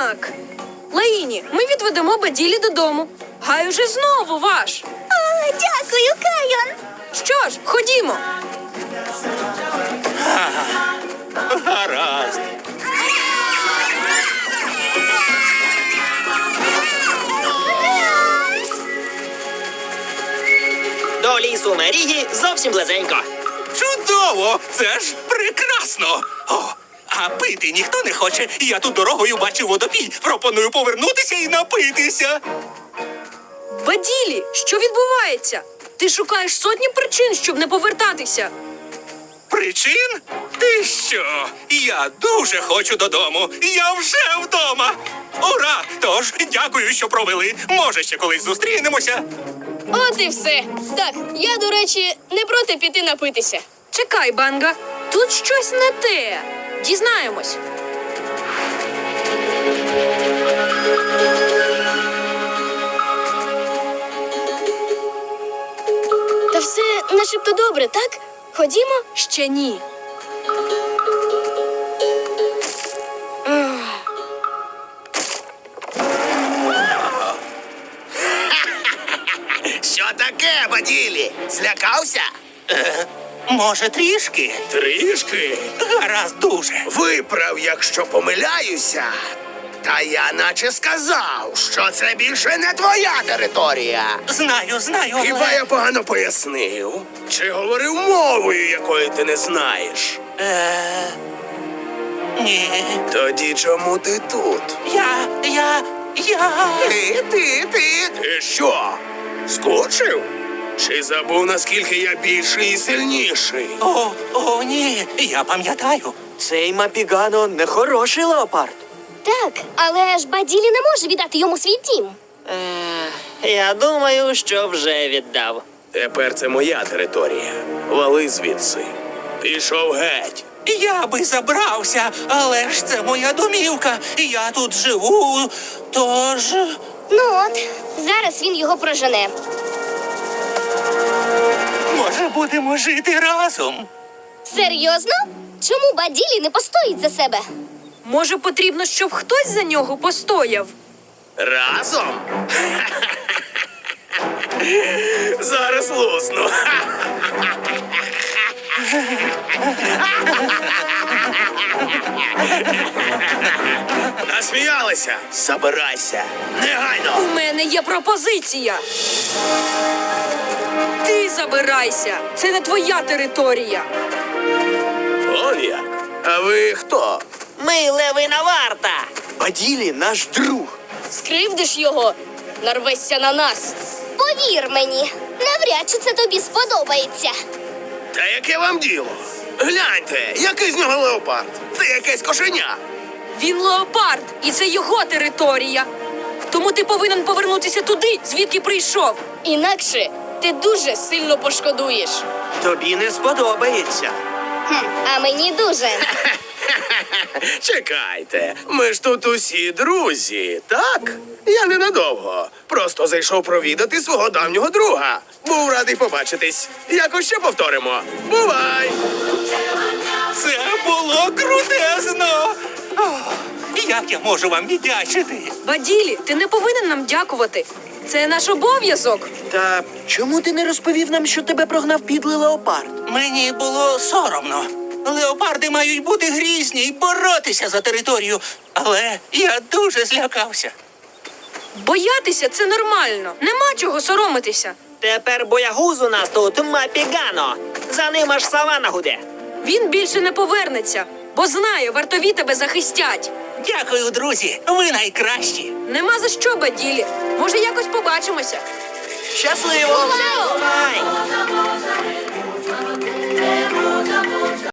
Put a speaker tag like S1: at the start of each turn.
S1: Так. Лаїні, ми відведемо Баділі додому. Гай уже знову ваш.
S2: О, дякую, Кайон.
S1: Що ж, ходімо.
S3: Гаразд.
S4: До лісу Мерігі зовсім близенько.
S3: Чудово! Це ж прекрасно! О, а пити ніхто не хоче. Я тут дорогою бачив водопій. Пропоную повернутися і напитися.
S1: Баділі, що відбувається? Ти шукаєш сотні причин, щоб не повертатися.
S3: Причин? Ти що? Я дуже хочу додому. Я вже вдома. Ура! Тож, дякую, що провели. Може, ще колись зустрінемося.
S5: От і все. Так, я, до речі, не проти піти напитися.
S1: Чекай, Банга, тут щось не те. Дізнаємось.
S5: Та все начебто добре, так? Ходімо?
S1: Ще ні.
S6: Що таке, Баділі? Злякався?
S3: Може, трішки? Трішки? Гаразд дуже.
S6: Виправ, якщо помиляюся. Та я наче сказав, що це більше не твоя територія.
S3: Знаю,
S6: Хіба
S3: але...
S6: я погано пояснив? Чи говорив мовою, якої ти не знаєш?
S3: Ні.
S6: Тоді чому ти тут?
S3: Я...
S6: Ти що? Скучив? Чи забув, наскільки я більший і сильніший?
S3: О, ні, я пам'ятаю.
S4: Цей Мапігано не хороший леопард.
S2: Так, але ж Баділі не може віддати йому свій дім.
S4: Я думаю, що вже віддав.
S6: Тепер це моя територія. Вали звідси. Пішов геть.
S3: Я би забрався, але ж це моя домівка. Я тут живу, тож...
S2: Ну от, зараз він його прожене.
S3: Може, будемо жити разом?
S2: Серйозно? Чому Баділі не постоїть за себе?
S1: Може, потрібно, щоб хтось за нього постояв?
S6: Разом? Зараз лусну. Насміялися? Забирайся. Негайно.
S1: У мене є пропозиція. Ти забирайся. Це не твоя територія.
S6: Он як? А ви хто?
S4: Ми левина варта. Баділі наш друг.
S5: Скривдиш його, нарвешся на нас.
S2: Повір мені, навряд чи це тобі сподобається.
S6: Та яке вам діло? Гляньте, який з нього леопард. Це якесь кошеня.
S1: Він леопард, і це його територія. Тому ти повинен повернутися туди, звідки прийшов.
S5: Інакше ти дуже сильно пошкодуєш.
S4: Тобі не сподобається.
S2: А мені дуже.
S6: Чекайте, ми ж тут усі друзі, так? Я ненадовго. Просто зайшов провідати свого давнього друга. Був радий побачитись. Якось ще повторимо. Бувай!
S3: Це було крутезно! Ох, як я можу вам віддячити?
S1: Баділі, ти не повинен нам дякувати. Це наш обов'язок.
S4: Та чому ти не розповів нам, що тебе прогнав підлий леопард?
S3: Мені було соромно. Леопарди мають бути грізні і боротися за територію. Але я дуже злякався.
S1: Боятися – це нормально. Нема чого соромитися.
S4: Тепер боягуз у нас тут Мапігано. За ним аж савана гуде.
S1: Він більше не повернеться, бо знає, вартові тебе захистять.
S3: Дякую, друзі. Ви найкращі.
S1: Нема за що, Баділі. Може, якось побачимося.
S4: Щасливо! Бувай!